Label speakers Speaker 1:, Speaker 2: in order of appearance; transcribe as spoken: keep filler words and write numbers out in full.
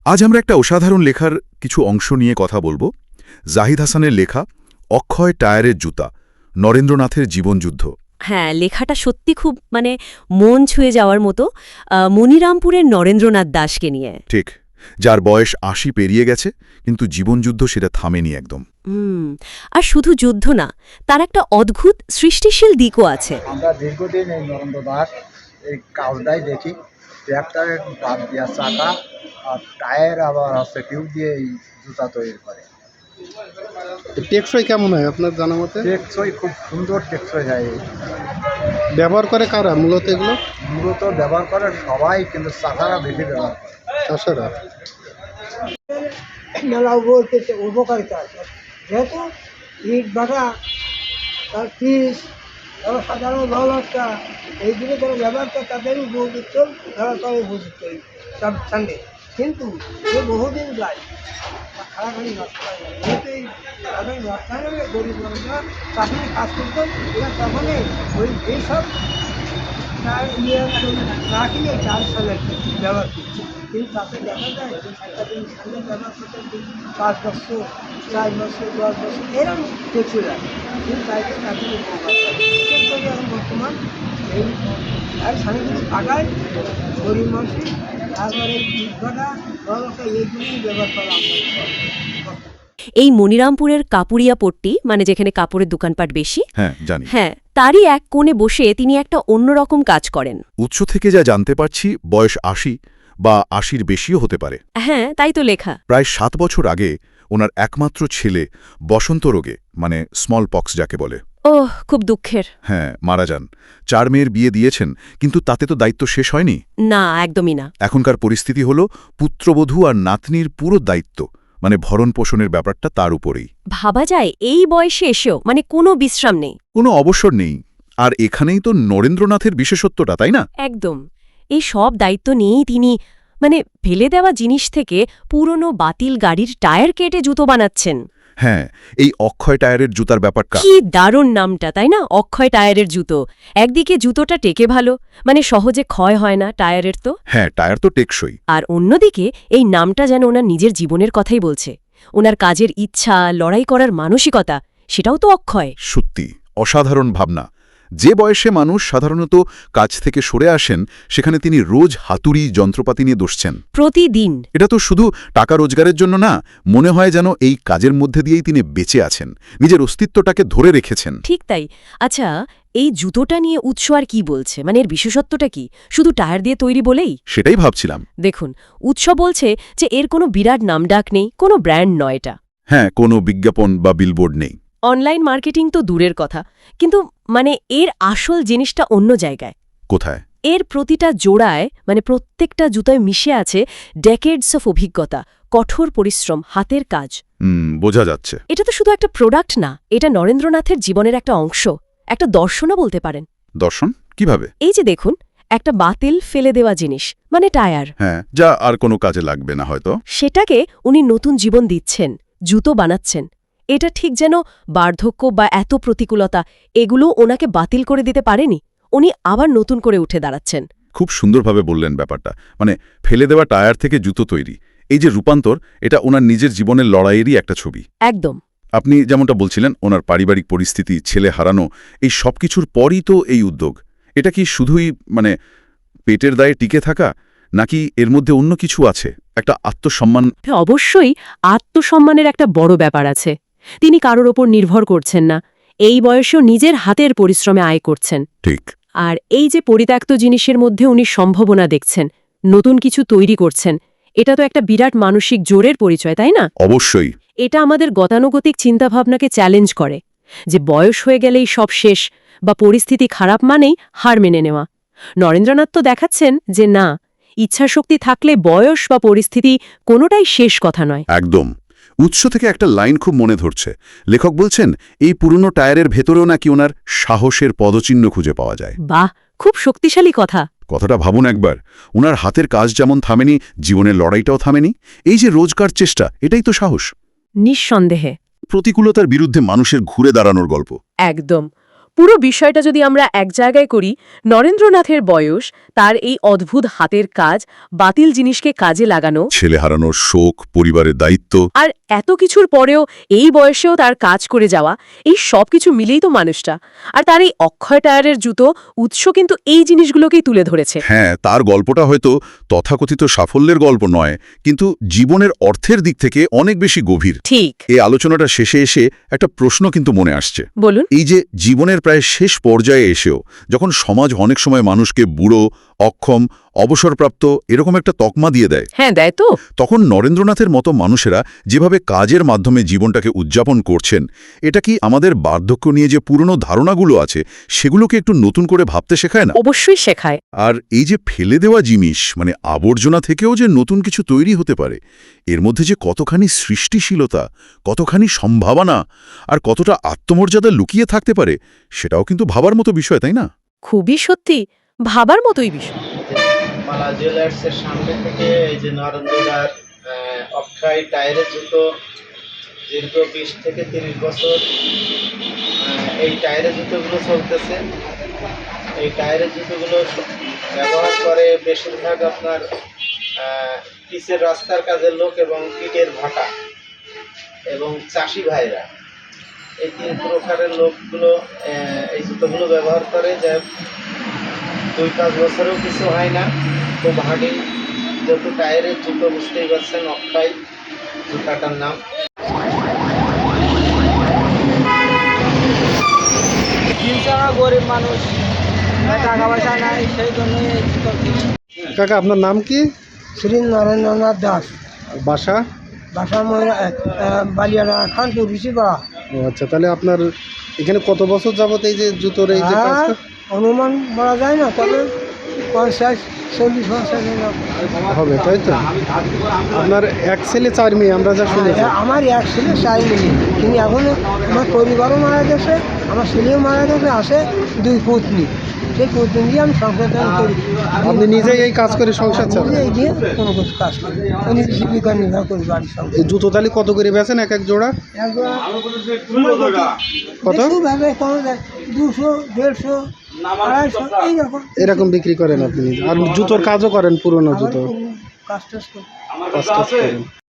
Speaker 1: আজ আমরা একটা অসাধারণ লেখার কিছু অংশ নিয়ে কথা বলবো। জাহিদ হাসানের লেখা অক্ষয় টায়ারের জুতা, নরেন্দ্রনাথের জীবনযুদ্ধ।
Speaker 2: হ্যাঁ, লেখাটা সত্যি খুব মানে মন ছুঁয়ে যাওয়ার মতো। আহ, মনিরামপুরের নরেন্দ্রনাথ দাশকে নিয়ে।
Speaker 1: ঠিক, যার বয়স আশি পেরিয়ে গেছে, কিন্তু জীবনযুদ্ধ সেটা থামেনি একদম।
Speaker 2: হুম আর শুধু যুদ্ধ না, তার একটা অদ্ভুত সৃষ্টিশীল দিকও আছে।
Speaker 3: আমরা দীর্ঘদিন এই নরেন্দ্র দাস এই কাজটাই দেখি। ট্র্যাক্টরের বাদ দিয়া চাকা আর টায়ার আবার হচ্ছে টিউব দিয়ে এই জুতা তৈরি করে।
Speaker 4: টেকসই কেমন হয় আপনার জানা মতে?
Speaker 3: টেকসই খুব সুন্দর টেকসই হয়। এই
Speaker 4: ব্যবহার করে কারা মূলত এগুলো?
Speaker 3: মূলত ব্যবহার করে সবাই, কিন্তু চাকারা বেশি ব্যবহার করে।
Speaker 4: চাষারা।
Speaker 5: মেলা বলতেছে উপকারিতা আছে, যেহেতু ইট ভাটা তার পিস তারা সাধারণ ভালোবাসা এইগুলো যারা ব্যবহার করে তাদের উপযুক্ত, তারা তারা উপযুক্ত সব সঙ্গে। কিন্তু যে বহুদিন যায় খারাখানি নষ্ট হয় না, যেহেতু এই খারাখানি নষ্ট হয় না, গরিব মানুষরা চাকরি কাজ করতেন, এরা তখনই ওই এইসব তার ইয়ে না কিনে চার সালের ব্যবহার করছে। কিন্তু তাতে দেখা যায় একটা দিন সামনে ব্যবহার করতে পাঁচ বছর চার বছর দশ বছর এরকম কিছু লাগে, কিন্তু তাইতে তাদের উপকার বিশেষ করে এখন বর্তমান এই আর সামনেগুলি ফাটায় গরিব মানুষই, তারপরে ইট ভাটা ব্যবস্থা এইগুলি ব্যবহার করা আমরা।
Speaker 2: এই মনিরামপুরের কাপুরিয়া পট্টি, মানে যেখানে কাপড়ের দোকানপাট বেশি,
Speaker 1: হ্যাঁ জানি।
Speaker 2: হ্যাঁ তারই এক কোণে বসে তিনি একটা অন্যরকম কাজ করেন।
Speaker 1: উৎস থেকে যা জানতে পারছি, বয়স আশি বা আশির বেশিও হতে পারে।
Speaker 2: হ্যাঁ তাই তো লেখা।
Speaker 1: প্রায় সাত বছর আগে ওনার একমাত্র ছেলে বসন্ত রোগে, মানে স্মল পক্স যাকে বলে,
Speaker 2: ওহ খুব দুঃখের।
Speaker 1: হ্যাঁ মারা যান। চার মেয়ের বিয়ে দিয়েছেন, কিন্তু তাতে তো দায়িত্ব শেষ হয়নি।
Speaker 2: না, একদমই না।
Speaker 1: এখনকার পরিস্থিতি হল পুত্রবধূ আর নাতনির পুরো দায়িত্ব, মানে ভরণ পোষণের ব্যাপারটা তার উপরেই।
Speaker 2: ভাবা যায় এই বয়সে এসেও মানে কোনো বিশ্রাম নেই,
Speaker 1: কোনো অবসর নেই। আর এখানেই তো নরেন্দ্রনাথের বিশেষত্বটা, তাই না?
Speaker 2: একদম। এই সব দায়িত্ব নিয়েই তিনি মানে ফেলে দেওয়া জিনিস থেকে পুরনো বাতিল গাড়ির টায়ার কেটে জুতো বানাচ্ছেন।
Speaker 1: হ্যাঁ, এই অক্ষয় টায়ারের জুতার ব্যাপারটা
Speaker 2: কি দারুণ নামটা, তাই না? অক্ষয় টায়ারের জুতো। একদিকে জুতোটা টেকে ভালো, মানে সহজে ক্ষয় হয় না টায়ারের তো।
Speaker 1: হ্যাঁ, টায়ার তো টেকসই।
Speaker 2: আর অন্যদিকে এই নামটা যেন ওনার নিজের জীবনের কথাই বলছে। ওনার কাজের ইচ্ছা, লড়াই করার মানসিকতা, সেটাও তো অক্ষয়।
Speaker 1: সত্যি অসাধারণ ভাবনা। যে বয়সে মানুষ সাধারণত কাজ থেকে সরে আসেন, সেখানে তিনি রোজ হাতুড়ি যন্ত্রপাতি নিয়ে বসছেন
Speaker 2: প্রতিদিন।
Speaker 1: এটা তো শুধু টাকা রোজগারের জন্য না, মনে হয় যেন এই কাজের মধ্যে দিয়েই তিনি বেঁচে আছেন, নিজের অস্তিত্বটাকে ধরে রেখেছেন।
Speaker 2: ঠিক তাই। আচ্ছা, এই জুতোটা নিয়ে উৎস আর কি বলছে, মানে এর বিশেষত্বটা কি? শুধু টায়ার দিয়ে তৈরি বলেই?
Speaker 1: সেটাই ভাবছিলাম।
Speaker 2: দেখুন, উৎস বলছে যে এর কোনো বিরাট নামডাক নেই, কোনো ব্র্যান্ড নয় এটা।
Speaker 1: হ্যাঁ, কোনো বিজ্ঞাপন বা বিলবোর্ড নেই।
Speaker 2: অনলাইন মার্কেটিং তো দূরের কথা, কিন্তু মানে এর আসল জিনিসটা অন্য জায়গায়।
Speaker 1: কোথায়?
Speaker 2: এর প্রতিটা জোড়ায়, মানে প্রত্যেকটা জুতোয় মিশে আছে ডেকেডস অফ অভিজ্ঞতা, কঠোর পরিশ্রম, হাতের কাজ।
Speaker 1: হুম, বোঝা যাচ্ছে।
Speaker 2: এটা তো শুধু একটা প্রোডাক্ট না, এটা নরেন্দ্রনাথের জীবনের একটা অংশ, একটা দর্শনও বলতে পারেন।
Speaker 1: দর্শন কিভাবে?
Speaker 2: এই যে দেখুন, একটা বাতিল ফেলে দেওয়া জিনিস, মানে টায়ার,
Speaker 1: হ্যাঁ, যা আর কোনো কাজে লাগবে না হয়তো,
Speaker 2: সেটাকে উনি নতুন জীবন দিচ্ছেন, জুতো বানাচ্ছেন। এটা ঠিক যেন বার্ধক্য বা এত প্রতিকূলতা এগুলো ওনাকে বাতিল করে দিতে পারেনি, উনি আবার নতুন করে উঠে দাঁড়াচ্ছেন।
Speaker 1: খুব সুন্দরভাবে বললেন ব্যাপারটা। মানে ফেলে দেওয়া টায়ার থেকে জুতো তৈরি, এই যে রূপান্তর, এটা ওনার নিজের জীবনের লড়াইয়েরই একটা ছবি।
Speaker 2: একদম।
Speaker 1: আপনি যেমনটা বলছিলেন, ওনার পারিবারিক পরিস্থিতি, ছেলে হারানো, এই সব কিছুর পরই তো এই উদ্যোগ। এটা কি শুধুই মানে পেটের দায়ে টিকে থাকা, নাকি এর মধ্যে অন্য কিছু আছে, একটা আত্মসম্মান?
Speaker 2: অবশ্যই আত্মসম্মানের একটা বড় ব্যাপার আছে। তিনি কারোর ওপর নির্ভর করছেন না, এই বয়সেও নিজের হাতের পরিশ্রমে আয় করছেন।
Speaker 1: ঠিক।
Speaker 2: আর এই যে পরিত্যক্ত জিনিসের মধ্যে উনি সম্ভাবনা দেখছেন, নতুন কিছু তৈরি করছেন, এটা তো একটা বিরাট মানসিক জোরের পরিচয়, তাই না?
Speaker 1: অবশ্যই।
Speaker 2: এটা আমাদের গতানুগতিক চিন্তাভাবনাকে চ্যালেঞ্জ করে, যে বয়স হয়ে গেলেই সব শেষ, বা পরিস্থিতি খারাপ মানেই হার মেনে নেওয়া। নরেন্দ্রনাথ তো দেখাচ্ছেন যে না, ইচ্ছাশক্তি থাকলে বয়স বা পরিস্থিতি কোনোটাই শেষ কথা নয়।
Speaker 1: একদম। উৎস থেকে একটা লাইন খুব মনে ধরছে। লেখক বলছেন, এই পুরনো টায়ারের ভেতরেও নাকি ওনার সাহসের পদচিহ্ন খুঁজে পাওয়া যায়।
Speaker 2: বাহ, খুব শক্তিশালী কথা।
Speaker 1: কথাটা ভাবুন একবার। ওনার হাতের কাজ যেমন থামেনি, জীবনের লড়াইটাও থামেনি। এই যে রোজকার চেষ্টা, এটাই তো সাহস।
Speaker 2: নিঃসন্দেহে।
Speaker 1: প্রতিকূলতার বিরুদ্ধে মানুষের ঘুরে দাঁড়ানোর গল্প।
Speaker 2: একদম। পুরো বিষয়টা যদি আমরা এক জায়গায় করি, নরেন্দ্রনাথের বয়স, তার এই অদ্ভুত হাতের কাজ, বাতিল জিনিসকে কাজে লাগানো,
Speaker 1: ছেলে হারানোর শোক, পরিবারের দায়িত্ব,
Speaker 2: আর এত কিছুর পরেও এই বয়সেও তার কাজ করে যাওয়া, এই সব কিছু মিলেই তো মানুষটা। আর তার এই অক্ষয় টায়ারের জুতো উৎস কিন্তু এই জিনিসগুলোকেই তুলে ধরেছে।
Speaker 1: হ্যাঁ, তার গল্পটা হয়তো তথাকথিত সাফল্যের গল্প নয়, কিন্তু জীবনের অর্থের দিক থেকে অনেক বেশি গভীর।
Speaker 2: ঠিক।
Speaker 1: এই আলোচনাটা শেষে এসে একটা প্রশ্ন কিন্তু মনে আসছে।
Speaker 2: বলুন।
Speaker 1: এই যে জীবনের প্রায় শেষ পর্যায়ে এসেও যখন সমাজ অনেক সময় মানুষকে বুড়ো, অক্ষম, অবসরপ্রাপ্ত এরকম একটা তকমা দিয়ে দেয়,
Speaker 2: হ্যাঁ দেয় তো,
Speaker 1: তখন নরেন্দ্রনাথের মতো মানুষেরা যেভাবে কাজের মাধ্যমে জীবনটাকে উদযাপন করছেন, এটা কি আমাদের বার্ধক্য নিয়ে যে পুরনো ধারণাগুলো আছে সেগুলোকে একটু নতুন করে ভাবতে শেখায় না?
Speaker 2: অবশ্যই শেখায়।
Speaker 1: আর এই যে ফেলে দেওয়া জিনিস, মানে আবর্জনা থেকেও যে নতুন কিছু তৈরি হতে পারে, এর মধ্যে যে কতখানি সৃষ্টিশীলতা, কতখানি সম্ভাবনা আর কতটা আত্মমর্যাদা লুকিয়ে থাকতে পারে, সেটাও কিন্তু ভাবার মতো বিষয়, তাই না?
Speaker 2: খুবই সত্যি ভাবার মতোই বিষয়।
Speaker 6: মালা জুয়েলার্সের সামনে থেকে এই যে নরেন্দ্রদার অক্ষয় টায়ারের জুতো দীর্ঘ বিশ থেকে তিরিশ বছর আহ, এই টায়ারের জুতোগুলো চলতেছে। এই টায়ারের জুতোগুলো ব্যবহার করে বেশিরভাগ আপনার আহ, পিচের রাস্তার কাজের লোক এবং ইটের ভাটা এবং চাষি ভাইরা, এই তিন প্রকারের লোকগুলো আহ, এই জুতোগুলো ব্যবহার করে। যা দুই পাঁচ বছরেও কিছু হয় না, খুব হাঁটি যত টায়ারের জুতো, বুঝতেই পারছেন অক্ষয় জুতাটার নাম।
Speaker 5: আমরা গরিব মানুষ, টাকা পয়সা নাই, সেই জন্যই এই জুতো কিনি।
Speaker 4: কাকা আপনার নাম কি?
Speaker 5: শ্রী নরেন্দ্রনাথ দাস,
Speaker 4: আর বাসা?
Speaker 5: বাসা মহিলা বালিয়ানা খানপুর ঋষিপাড়া।
Speaker 4: ও আচ্ছা, তাহলে আপনার এখানে কত বছর যাবত এই যে জুতোর এই যে
Speaker 5: হ্যাঁ,
Speaker 4: কাজটা?
Speaker 5: অনুমান বলা যায় না, তবে পঞ্চাশ চল্লিশ পঞ্চাশ
Speaker 4: হবে, তাই তো? আপনার এক ছেলে চার মেয়ে আমরা যা শুনেছি।
Speaker 5: আমার এক ছেলে চাই মিলি, তিনি এখনো, আমার পরিবারও মারা গেছে, আমার ছেলেও মারা গেছে, আসে দুই পত্নী, সেই পত্নী দিয়ে আমি সংসার করি।
Speaker 4: আপনি নিজেই এই কাজ করে সংসার চালান?
Speaker 5: নিজে এই দিয়ে কোনো কিছু কাজ করি, আমি জীবিকা নির্বাহ করি বাড়ির সঙ্গে।
Speaker 4: এই জুতো তাহলে কত করে বেচেন এক এক জোড়া? কত?
Speaker 5: কম যায়, দুশো দেড়শো আড়াইশো এইরকম
Speaker 4: এরকম বিক্রি করেন আপনি? আর জুতোর কাজও করেন, পুরনো জুতো
Speaker 5: কাজ টাজ করি।
Speaker 4: কাজ টাজ করেন?